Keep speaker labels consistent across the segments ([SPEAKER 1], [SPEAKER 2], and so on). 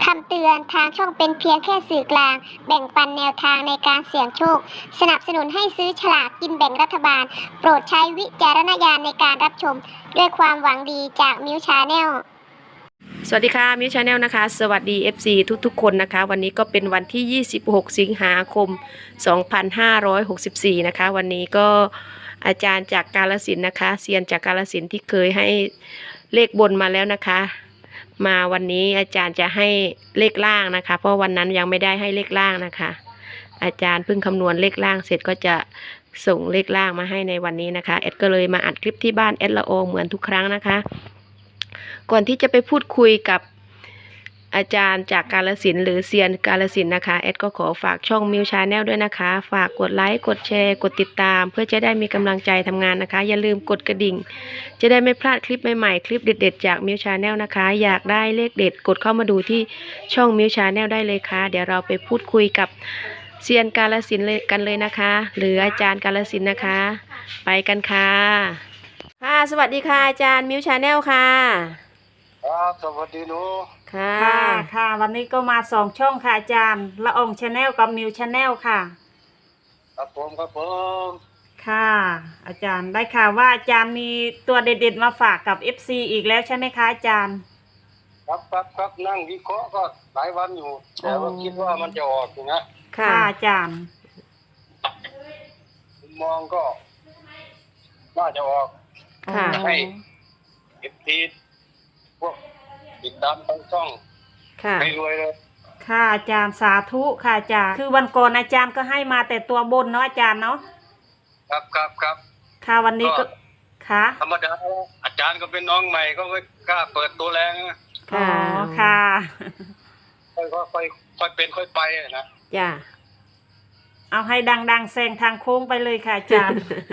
[SPEAKER 1] คำเตือนทางช่องเป็นเพียงแค่สื่อกลางแบ่งปันแนวทางในการเสี่ยงโชคสนับสนุนให้ซื้อฉลากกินแบ่งรัฐบาลโปรดใช้วิจารณญาณในการรับชมด้วยความหวังดีจากมิวชาแนล
[SPEAKER 2] สวัสดีค่ะมิวชาแนลนะคะสวัสดี FC ทุกๆคนนะคะวันนี้ก็เป็นวันที่ 26 สิงหาคม 2564 นะคะวันนี้ก็อาจารย์จากกาฬสินธุ์นะคะเซียนจากกาฬสินธุ์ที่เคยให้เลขบนมาแล้วนะคะมาวันนี้อาจารย์จะให้เลขล่างนะคะเพราะวันนั้นยังไม่ได้ให้เลขล่างนะคะอาจารย์เพิ่งคำนวณเลขล่างเสร็จก็จะส่งเลขล่างมาให้ในวันนี้นะคะแอดก็เลยมาอัดคลิปที่บ้านแอดละโอเหมือนทุกครั้งนะคะก่อนที่จะไปพูดคุยกับอาจารย์จากกาฬสินธุ์หรือเซียนกาฬสินธุ์นะคะแอดก็ขอฝากช่องมิวชาแนลด้วยนะคะฝากกดไลค์กดแชร์กดติดตามเพื่อจะได้มีกำลังใจทำงานนะคะอย่าลืมกดกระดิ่งจะได้ไม่พลาดคลิปใหม่ๆคลิปเด็ดๆจากมิวชาแนลนะคะอยากได้เลขเด็ดกดเข้ามาดูที่ช่องมิวชาแนลได้เลยค่ะเดี๋ยวเราไปพูดคุยกับเซียนกาฬสินธุ์กันเลยนะคะหรืออาจารย์กาฬสินธุ์นะคะไปกันค่ะค่ะสวัสดีค่ะอาจารย์มิวชาแนลค่ะ
[SPEAKER 3] ครับสวัสดีหนู
[SPEAKER 2] ค่ะ
[SPEAKER 4] ค่ะวันนี้ก็มา2 ช่องค่ะอาจารย์ละอองชาแนลกับมิวชาแนลค่ะ
[SPEAKER 3] ครับผม
[SPEAKER 4] ค่ะอาจารย์ได้ข่าวว่าอาจารย์มีตัวเด็ดๆมาฝากกับ FC อีกแล้วใช่ไหมคะอาจารย์
[SPEAKER 3] ครับนั่งวิเคราะห์ก็หลายวันอยู่แต่ว่าคิดว่ามันจะออกอยู่นะ
[SPEAKER 4] ค่ะอาจารย์
[SPEAKER 3] มองก็น่าจะออก
[SPEAKER 2] ค่ะ
[SPEAKER 3] ให้เอฟทีพวกติดตามทั้งช่อง
[SPEAKER 2] ค่ะ
[SPEAKER 3] ให้รวยเลย
[SPEAKER 4] ค่ะอาจารย์สาธุค่ะอาจารย์คือวันก่อนอาจารย์ก็ให้มาแต่ตัวบนเนาะอาจารย์เนาะ
[SPEAKER 3] ครับ
[SPEAKER 4] ค่ะวันนี้ก็ค่ะ
[SPEAKER 3] ธรรมดาอาจารย์ก็เป็นน้องใหม่ก็ไม่กล้าเปิดตัวแรงนะ
[SPEAKER 4] อ๋อค่ะ
[SPEAKER 3] ค่อยเป็นค่อยไปนะ
[SPEAKER 2] จ้ะ
[SPEAKER 4] เอาให้ดังๆแซงทางโค้งไปเลยค่ะอาจารย์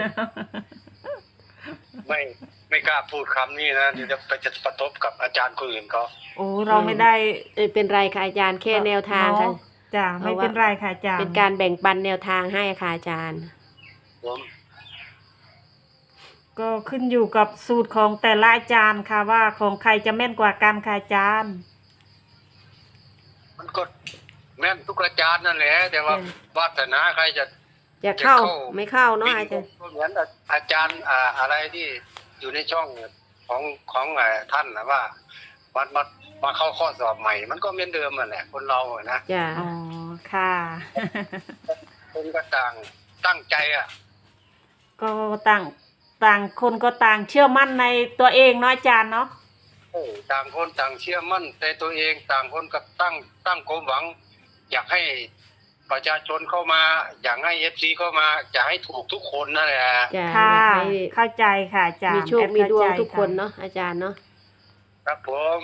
[SPEAKER 3] ไม่กล้าพูดคำนี้นะเดี๋ยวจะกระทบกับอาจารย์คนอื่นเขา
[SPEAKER 4] โอ้เราไม่ได้
[SPEAKER 2] เป็นไรค่ะอาจารย์แค่แนวทางค่ะ
[SPEAKER 4] จ้ะไม่เป็นไรค่ะอาจารย์
[SPEAKER 2] เป็นการแบ่งปันแนวทางให้ค่ะอาจารย์
[SPEAKER 4] ก็ขึ้นอยู่กับสูตรของแต่ละอาจารย์ค่ะว่าของใครจะแม่นกว่ากันค่ะอาจารย์
[SPEAKER 3] มันก็แม่นทุกอาจารย์นั่นแหละแต่ว่าวาสนาใครจะ
[SPEAKER 2] เข้าไม่เข้าเนาะอาจารย์
[SPEAKER 3] เหมือนอาจารย์อะไรที่อยู่ในช่องของท่านนะว่ามาเข้าข้อสอบใหม่มันก็เหมือนเดิมนั่นแหละคนเรานะ
[SPEAKER 2] จ้ะ
[SPEAKER 4] อ๋อค่ะ
[SPEAKER 3] คนก็ต่างตั้งใจ
[SPEAKER 4] ก็ต่างคนก็ต่างเชื่อมั่นในตัวเองเนาะอาจารย์เนาะ
[SPEAKER 3] ต่างคนต่างเชื่อมั่นในตัวเองต่างคนก็ตั้งความหวังอยากให้ประชาชนเข้ามาอยากให้FCเข้ามาจะให้ถูกทุกคนนั่นแหละ
[SPEAKER 4] ค่ะเข้าใจค่ะอาจารย์
[SPEAKER 2] มีโชคมีดวงทุกคนเนาะอาจารย์เนาะ
[SPEAKER 3] ครับผม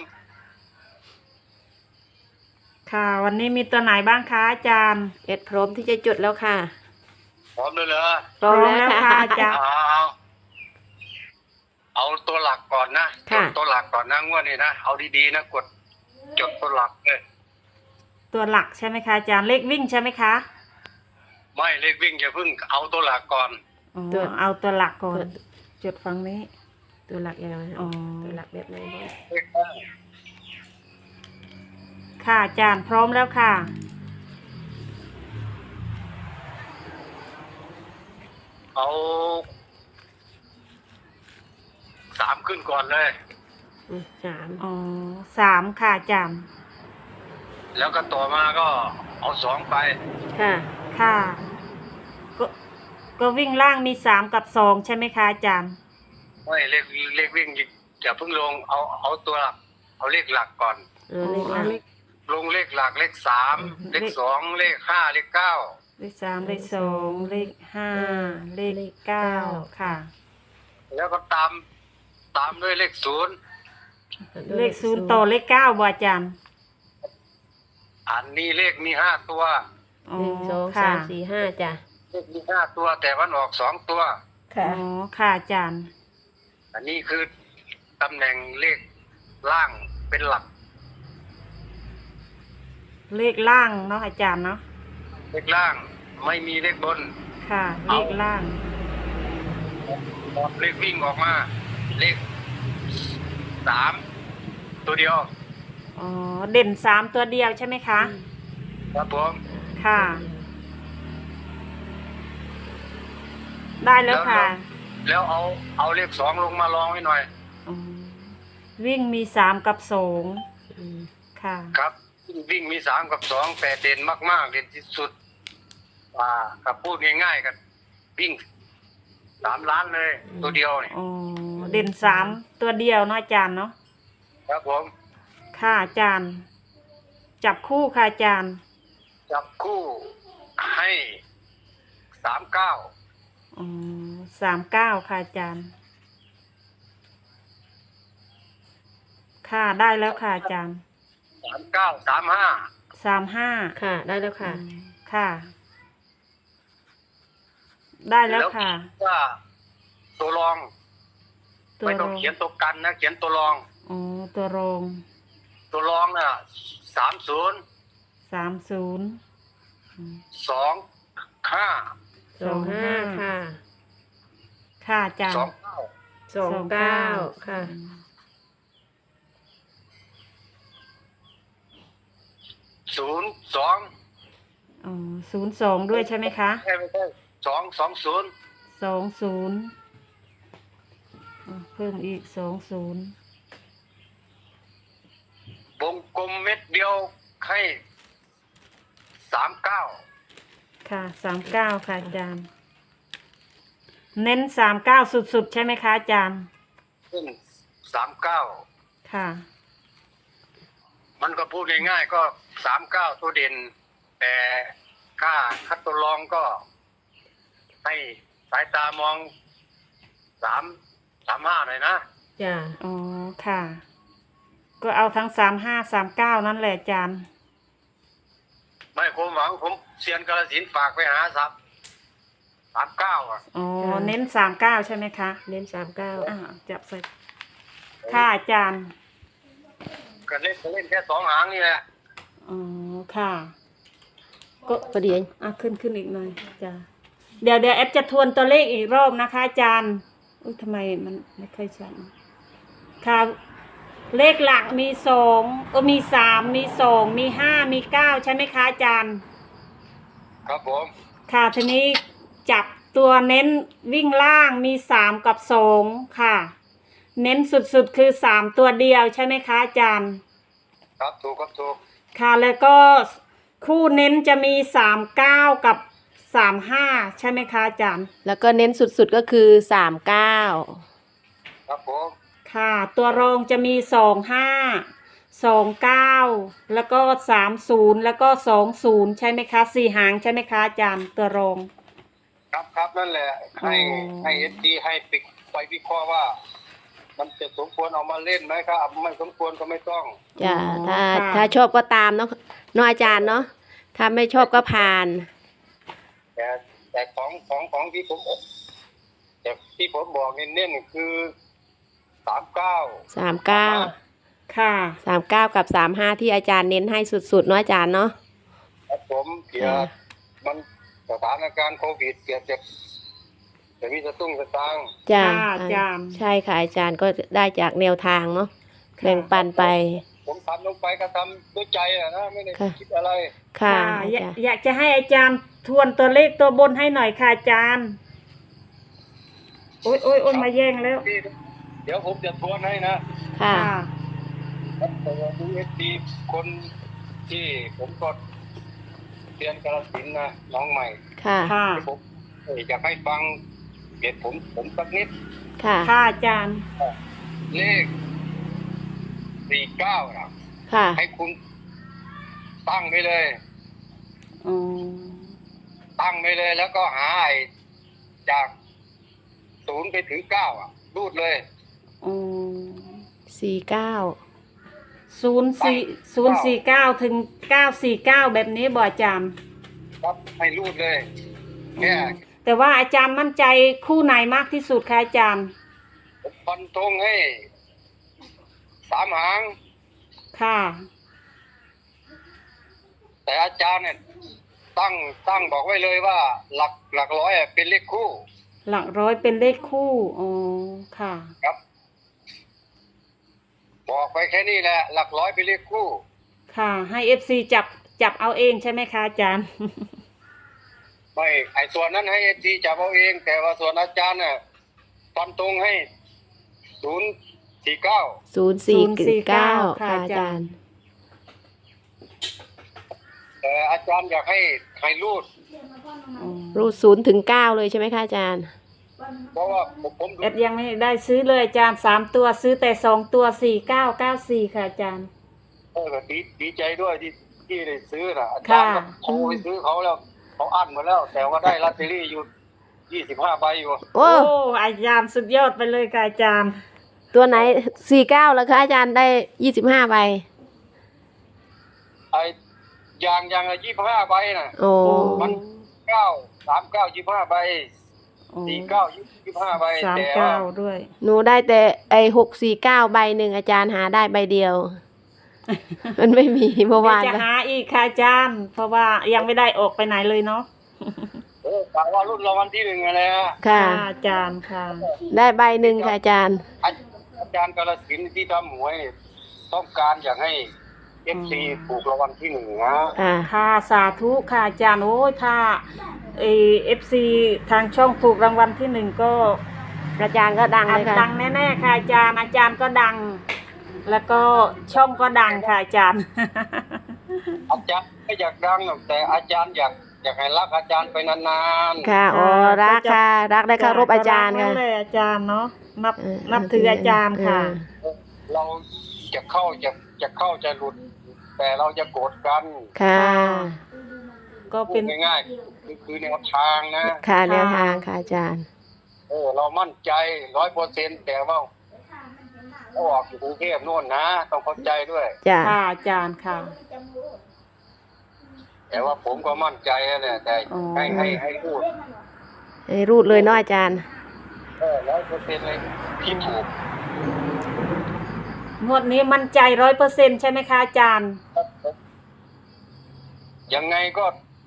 [SPEAKER 4] ค่ะวันนี้มีตัวไหนบ้างคะอาจารย์
[SPEAKER 2] พร้อมที่จะจดแล้วค่ะ
[SPEAKER 3] พร้อมเลยเหรอ
[SPEAKER 2] พร้อมแล้วค่ะ
[SPEAKER 4] อาจารย์
[SPEAKER 3] เอาตัวหลักก่อนนะตัวหลักก่อนนะงวดนี้นะเอาดีๆนะกดจดตัวหลักเลย
[SPEAKER 4] ตัวหลักใช่ไหมคะอาจารย์เลขวิ่งใช่ไหมคะ
[SPEAKER 3] ไม่เลขวิ่งอย่าเพิ่งเอาตัวหลักก่อน
[SPEAKER 4] เอาตัวหลักก่อนจดฟังนี้
[SPEAKER 2] ตัวหลักยังไงตัวหลักแบบไหน
[SPEAKER 4] ค่ะอาจารย์พร้อมแล้วค่ะ
[SPEAKER 3] เอา3ขึ้นก่อนเลย
[SPEAKER 4] 3ค่ะอาจารย์
[SPEAKER 3] แล้วก็ต่อมาก็เอา2ไป
[SPEAKER 4] ค่ะก็วิ่งล่างมี3กับ2ใช่ไหมคะอาจารย์
[SPEAKER 3] ไม่เลขวิ่งอย่าเพิ่งลงเอาตัวเอาเลขหลักก่อนลงเลขหลักเลข3เลข2เลข5เลข9
[SPEAKER 4] เลข3เลข2เลข5เลข9ค่ะ
[SPEAKER 3] แล้วก็ตามด้วยเลข0
[SPEAKER 4] เลข0ต่อเลข9บ่อาจารย์
[SPEAKER 3] อันนี้เลขมี5ตัว
[SPEAKER 2] 1 2 3 4 5จ้ะ
[SPEAKER 3] เลขมี5ตัวแต่มันออก2ตัว
[SPEAKER 4] ค่ะค่ะอาจารย์
[SPEAKER 3] อันนี้คือตำแหน่งเลขล่างเป็นหลัก
[SPEAKER 4] เลขล่างเนาะอาจารย์เนาะ
[SPEAKER 3] เลขล่างไม่มีเลขบน
[SPEAKER 4] ค่ะเลขล่าง
[SPEAKER 3] เลขวิ่งออกมาเลข3ตัวเดียว
[SPEAKER 4] อ๋อเด่นสามตัวเดียวใช่ไหมคะ
[SPEAKER 3] ครับผม
[SPEAKER 4] ค่ะ ได้แล้วค่ะ
[SPEAKER 3] แล้วเอาเลข2ลงมาลองไว้หน่อย
[SPEAKER 4] อ๋อวิ่งมีสามกับสอง
[SPEAKER 2] อืม
[SPEAKER 4] ค่ะ
[SPEAKER 3] ครับวิ่งมี3กับ2แต่เด่นมากๆเด่นที่สุดกับพูดง่ายๆกันวิ่ง3 ล้านเลย ตัวเดียวเนี่ย
[SPEAKER 4] อ๋อเด่นสามตัวเดียวเนาะอาจารย์เนาะ
[SPEAKER 3] ครับผม
[SPEAKER 4] ค่ะอาจารย์ จับคู่ค่ะอาจารย์
[SPEAKER 3] จับคู่ให้39
[SPEAKER 4] อ๋อ39ค่ะอาจารย์ ค่ะได้แล้วค่ะอาจารย์
[SPEAKER 3] 39 35
[SPEAKER 4] 35
[SPEAKER 2] ค่ะได้แล้วค่ะ
[SPEAKER 4] ค่ะ ได้แล้วค่ะ
[SPEAKER 3] ว่าตัวรอง
[SPEAKER 4] ตัว
[SPEAKER 3] ไม่
[SPEAKER 4] ร
[SPEAKER 3] ต้อ
[SPEAKER 4] อง ง
[SPEAKER 3] เขียนตัวกันนะเขียนตัวรอง
[SPEAKER 4] อ๋อตัวรอง
[SPEAKER 3] ตัวรองน่ะ30
[SPEAKER 4] 30
[SPEAKER 3] 25
[SPEAKER 2] 25ค่ะ
[SPEAKER 4] ค่ะอาจารย์
[SPEAKER 3] 29
[SPEAKER 2] 29ค่ะ
[SPEAKER 3] 02
[SPEAKER 4] อ๋อ02ด้วยใช่ไหมคะ
[SPEAKER 3] ไม่ใช่220
[SPEAKER 4] 20เพิ่มอีก20
[SPEAKER 3] วงกลมเม็ดเดียวให้39
[SPEAKER 4] ค่ะ39ค่ะอาจารย์ เน้น39สุดๆใช่ไหมคะอาจารย์
[SPEAKER 3] ขึ้น39
[SPEAKER 4] ค่ะ
[SPEAKER 3] มันก็พูดง่ายๆก็39ตัวเด่น แต่ค่าคัดตัวรองก็ให้สายตามอง35หน่อยนะ
[SPEAKER 2] จ้ะ
[SPEAKER 4] อ๋อค่ะ ก็เอาทั้ง35 39นั่นแหละอาจารย์
[SPEAKER 3] ไม่ความหวังผมเซียนกาฬสินธุ์ฝากไปหา39อ่ะ
[SPEAKER 4] อ๋อเน้น39ใช่ไหมคะ
[SPEAKER 2] เน้น39
[SPEAKER 4] จับใส่ค่ะอาจารย์
[SPEAKER 3] ก็เล่นแค่2 หางนี่แหละ
[SPEAKER 4] อ๋อค่ะ ก็
[SPEAKER 2] ประเดี๋ยว
[SPEAKER 4] ขึ้นอีกหน่อยจ้ะเดี๋ยวแอปจะทวนตัวเลขอีกรอบนะคะอาจารย์อุ้ยทำไมมันไม่ค่อยชัดค่ะเลขหลักมีมี3มี2มี5มี9ใช่ไหมคะอาจารย์
[SPEAKER 3] ครับผม
[SPEAKER 4] ค่ะทีนี้จับตัวเน้นวิ่งล่างมี3กับ2ค่ะ เน้นสุดๆคือ3ตัวเดียวใช่ไหมคะอาจารย์
[SPEAKER 3] ครับถูกครับถูก
[SPEAKER 4] ค่ะแล้วก็คู่เน้นจะมี39กับ35ใช่ไหมคะอาจารย์
[SPEAKER 2] แล้วก็เน้นสุดๆก็คือ39
[SPEAKER 3] ครับผม
[SPEAKER 4] ค่ะตัวรองจะมี25 29แล้วก็30แล้วก็20ใช่ไหมคะ4หางใช่ไหมคะอาจารย์ตัวรอง
[SPEAKER 3] ครับนั่นแหละให้
[SPEAKER 4] อ๋อ
[SPEAKER 3] ให้เอสดีให้ไปวิเคราะห์ว่า มันจะสมควรเอามาเล่นไหมครับไม่สมควรก็ไม่ต้อง
[SPEAKER 2] จ้ะ
[SPEAKER 4] อ๋อ
[SPEAKER 2] ถ้า
[SPEAKER 4] ค่ะ
[SPEAKER 2] ชอบก็ตามเนาะอาจารย์เนาะถ้าไม่ชอบก็ผ่าน
[SPEAKER 3] แต่ของที่ผมแต่ที่ผมบอกเน้นๆคือ39
[SPEAKER 2] 39
[SPEAKER 4] ค่ะ
[SPEAKER 2] 39กับ35ที่อาจารย์เน้นให้สุดๆเนาะอาจารย์เนาะ
[SPEAKER 3] ครับผมเกี่ยวมันสถานการณ์โควิดเกี่ยวจะมีสตุ้งสตางค์
[SPEAKER 2] จ้ะ
[SPEAKER 4] ค่ะอาจารย์
[SPEAKER 2] ใช่ค่ะอาจารย์ก็ได้จากแนวทางเนาะแบ่งปันไป
[SPEAKER 3] ผมทำลงไปก็ทำด้วยใจอะนะไม่ได้
[SPEAKER 2] ค่ะ
[SPEAKER 3] คิดอะไร
[SPEAKER 2] ค่ะ
[SPEAKER 4] อยากจะให้อาจารย์ทวนตัวเลขตัวบนให้หน่อยค่ะอาจารย์โอ้ยมาแย่งแล้ว
[SPEAKER 3] เดี๋ยวผมจะทวนให้นะ
[SPEAKER 2] ค่ะ
[SPEAKER 3] แต่ว่าดูเอสดีคนที่ผมก็เรียนกาฬสินธุ์นะน้องใหม่
[SPEAKER 2] ค่ะ
[SPEAKER 4] ค่ะ
[SPEAKER 3] ที่ผมอยากให้ฟังเหตุผมสักนิด
[SPEAKER 2] ค่ะ
[SPEAKER 4] ค่ะอาจารย์
[SPEAKER 3] เลข49นะ
[SPEAKER 2] ค่ะ
[SPEAKER 3] ให้คุณตั้งไปเลย
[SPEAKER 4] อ๋อ
[SPEAKER 3] ตั้งไปเลย แล้วก็หาไอ้จาก0ไปถึง9อ่ะรูดเลย
[SPEAKER 4] อ๋อ
[SPEAKER 2] 49
[SPEAKER 4] 049ถึง949แบบนี้บ่อาจารย์
[SPEAKER 3] ครับให้รูดเลยแค่
[SPEAKER 4] แต่ว่าอาจารย์มั่นใจคู่ไหนมากที่สุดคะอาจารย์
[SPEAKER 3] ผมฟันธงให้3 หาง
[SPEAKER 4] ค่ะ
[SPEAKER 3] แต่อาจารย์เนี่ยตั้งบอกไว้เลยว่าหลักร้อยอะเป็นเลขคู่
[SPEAKER 4] หลักร้อยเป็นเลขคู่ อ๋อ ค่ะ
[SPEAKER 3] ครับ ผบอกไปแค่นี้แหละหลักร้อยไปนเลขคู่
[SPEAKER 4] ค่ะให้ FC จับเอาเองใช่ไหมคะอาจารย์
[SPEAKER 3] ไม่ไอ้ส่วนนั้นให้เอทีจับเอาเอง แต่ว่าส่วนอาจารย์น่ะฟันตรงให้049
[SPEAKER 2] 049ค่ะอาจารย์
[SPEAKER 3] แต่อาจารย์อยากให้รูด
[SPEAKER 2] รูด0 ถึง 9เลยใช่ไหมคะอาจารย์
[SPEAKER 3] เพราะว่าผมดู
[SPEAKER 4] แอดยังไม่ได้ซื้อเลยอาจารย์3 ตัวซื้อแต่2 ตัว4994ค่ะอาจารย์
[SPEAKER 3] ดีใจด้วยที่ได้ซื้อนะอาจารย์ก็โทรไปซื้อเขาแล้วเขาอั้นหมดแล้ว แต่ว่าได้ลอตเตอรี่อยู่25ใบอยู่
[SPEAKER 2] โอ้
[SPEAKER 4] โอ้อาจารย์สุดยอดไปเลยค่ะอาจารย์
[SPEAKER 2] ตัวไหน49แล้วคะอาจารย์ได้25ใบ
[SPEAKER 3] ไอ้อย่างละ25ใบน่ะ
[SPEAKER 2] โอ้
[SPEAKER 3] มัน39 25ใบ49 25ใบแต่ว่า
[SPEAKER 4] 39ด้วย
[SPEAKER 2] หนูได้แต่ไอ้649ใบหนึ่งอาจารย์หาได้ใบเดียว มันไม่มีเมื่อวาน
[SPEAKER 4] เดี๋ยวจะหาอีกค่ะอาจารย์ เพราะว่ายังไม่ได้ออกไปไหนเลยเนาะ
[SPEAKER 3] กะว่ารุ่นรางวัลที่1อะไรนะ
[SPEAKER 2] ค่ะ
[SPEAKER 4] อาจารย์ค่ะ
[SPEAKER 2] ได้ใบหนึ่งค่ะอาจารย์
[SPEAKER 3] อาจารย์กาฬสินธุ์ที่ทำหวยต้องการอยากให้ FC ถูกรางวัลที่1นะ
[SPEAKER 2] ค่ะ
[SPEAKER 4] ค่ะสาธุค่ะอาจารย์โอ้ยถ้าFC ทางช่องถูกรางวัลที่1ก็
[SPEAKER 2] อาจารย์ก็ดัง
[SPEAKER 4] อั
[SPEAKER 2] เล
[SPEAKER 4] ด
[SPEAKER 2] ยค่ะ
[SPEAKER 4] ดังแน่ๆค่ะอาจารย์ก็ดัง แล้วก็ช่องก็ดังค่ะอาจารย์
[SPEAKER 3] อาจารย์ไม่อยากดังหรอกแต่อาจารย์อยากให้รักอาจารย์ไปนาน
[SPEAKER 2] ค่ะอ๋อรักค่ะ รักและเคารพอาจารย์
[SPEAKER 4] ก็
[SPEAKER 2] ค่ะ
[SPEAKER 4] กเลยอาจารย์เนาะ
[SPEAKER 2] เออ
[SPEAKER 4] นับถืออาจารย์ค่ะ
[SPEAKER 3] ๆเราจะเข้าจะหลุด แต่เราจะโกรธกัน
[SPEAKER 2] ค่ะ
[SPEAKER 4] ก็
[SPEAKER 3] พู
[SPEAKER 4] เป็
[SPEAKER 3] ด
[SPEAKER 4] น
[SPEAKER 3] ง่ายๆคือแนวทางนะ
[SPEAKER 2] ค่ะแนวทางค่ะอาจารย์
[SPEAKER 3] เรามั่นใจ 100%แต่ว่าเขาออกอยู่กรุงเทพโน่นนะต้องเข้าใจด้วย
[SPEAKER 2] จ้ะ
[SPEAKER 4] ค่ะอาจารย์ค่ะ
[SPEAKER 3] แต่ว่าผมก็มั่นใจนะเนี่ยแต่
[SPEAKER 4] อ๋อ
[SPEAKER 3] ให้พูด
[SPEAKER 2] ให้รูดเลยเนาะอาจารย์
[SPEAKER 3] 100%เลยที่ถูก
[SPEAKER 4] งวดนี้มั่นใจ100%ใช่ไหมคะอาจารย์
[SPEAKER 3] ยังไงก็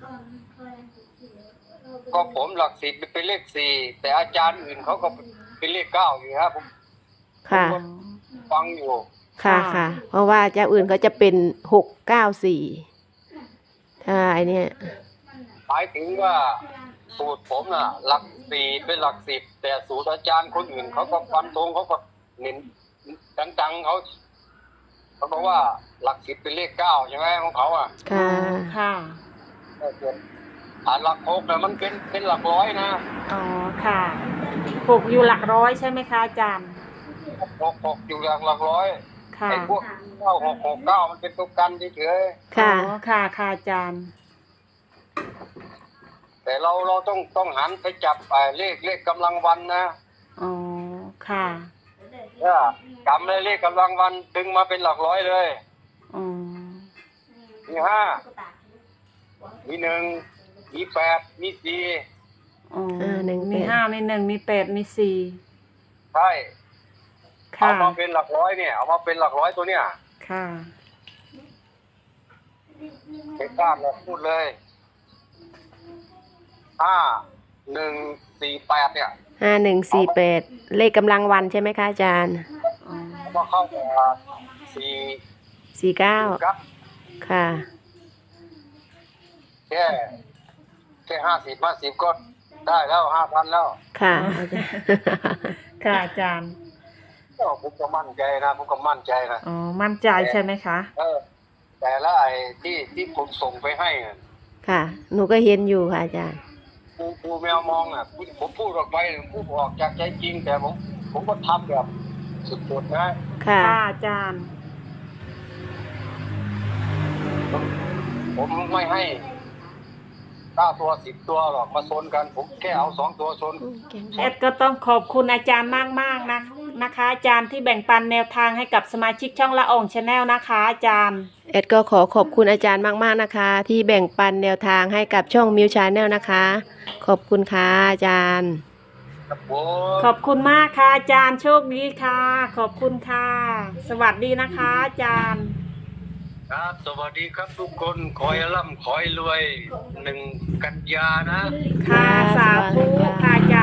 [SPEAKER 3] ผมหลักสิบเป็นเลข4แต่อาจารย์อื่นเขาก็เป็นเลข9อยู่ครับผม
[SPEAKER 2] ค่ะ
[SPEAKER 3] ฟังอยู่
[SPEAKER 2] ค่ะ
[SPEAKER 4] ค่ะ
[SPEAKER 2] ค่ะ เพราะว่าเจ้าอื่นเขาจะเป็น694ถ้าไอเนี่ย
[SPEAKER 3] หมายถึงว่าสูตรผมน่ะ หลัก4เป็นหลัก10แต่สูตรอาจารย์คนอื่นเขาก็ฟันธงเขาก็เน้นจังๆเขาบอกว่าหลัก10เป็นเลข9ใช่ไหมของเขาอ่ะ
[SPEAKER 2] ค่ะ
[SPEAKER 4] ค่ะ
[SPEAKER 3] หลัก6น่ะมันเป็นหลักร้อยนะ
[SPEAKER 4] อ๋อค่ะถูกอยู่หลักร้อยใช่ไหมคะอาจารย์
[SPEAKER 3] 6อยู่หลักร้อย
[SPEAKER 4] ค่ะ
[SPEAKER 3] ไอ้พวก9669มันเป็นตัวกันเฉย
[SPEAKER 2] ค่ะ
[SPEAKER 4] อ๋อค่ะค่ะอาจารย์
[SPEAKER 3] ๆแต่เราต้องหันไปจับเลขกำลังวันนะ
[SPEAKER 4] อ๋อค่ะ
[SPEAKER 3] จำเลยเลขกำลังวันดึงมาเป็นหลักร้อยเลย
[SPEAKER 4] อ๋อ
[SPEAKER 3] มี5มี1มี8มี4
[SPEAKER 4] อ๋อ
[SPEAKER 2] 1
[SPEAKER 4] มี
[SPEAKER 2] 8
[SPEAKER 4] 5มี1มี8มี4
[SPEAKER 3] ใช่
[SPEAKER 4] ค่ะ
[SPEAKER 3] เอามาเป็นหลักร้อยเนี่ยเอามาเป็นหลักร้อยตัวเนี่ย
[SPEAKER 4] ค่ะ
[SPEAKER 3] ไม่กล้าเลยพูดเลย5148เนี่ย
[SPEAKER 2] 5148เลขกำลังวันใช่ไหมคะอาจารย์
[SPEAKER 4] อ๋อ
[SPEAKER 3] เอามาเข้ากับ4
[SPEAKER 2] 49
[SPEAKER 3] ครับ
[SPEAKER 2] ค่ะ
[SPEAKER 3] แค่50ก็ได้แล้ว 5,000แล้ว
[SPEAKER 2] ค่ะอาจารย์
[SPEAKER 4] ค่ะอาจารย์
[SPEAKER 3] ผมก็มั่นใจนะผมก็มั่นใจนะ
[SPEAKER 4] อ๋อมั่นใจใช่ไหมคะ
[SPEAKER 3] แต่ละไอ้ที่ผมส่งไปให้น่ะ
[SPEAKER 2] ค่ะ หนูก็เห็นอยู่ค่ะอาจารย์
[SPEAKER 3] ครูแมวมองอ่ะผมพูดออกไปผมพูดออกจากใจจริง แต่ผมก็ทำแบบสุดๆนะ
[SPEAKER 2] ค่ะ
[SPEAKER 4] ค่ะอาจารย์
[SPEAKER 3] ผมไม่ให้9ตัว10ตัวหรอกมาชนกัน ผมแค่เอา2ตัวชน
[SPEAKER 4] แอดก็ต้องขอบคุณอาจารย์มากๆนะคะอาจารย์ที่แบ่งปันแนวทางให้กับสมาชิกช่องละอองชาแนลนะคะอาจารย์
[SPEAKER 2] แอดก็ขอบคุณอาจารย์มากๆนะคะ ที่แบ่งปันแนวทางให้กับช่องมิวชาแนลนะคะ ขอบคุณค่ะอาจารย์
[SPEAKER 3] ครับผม
[SPEAKER 4] ขอบคุณมากค่ะอาจารย์โชคดีค่ะ ขอบคุณค่ะ สวัสดีนะคะอาจารย์
[SPEAKER 3] ครับสวัสดีครับทุกคนขอให้ร่ำขอให้รวย1 กันยานะ
[SPEAKER 4] ค่ะสาธุค่ะอาจ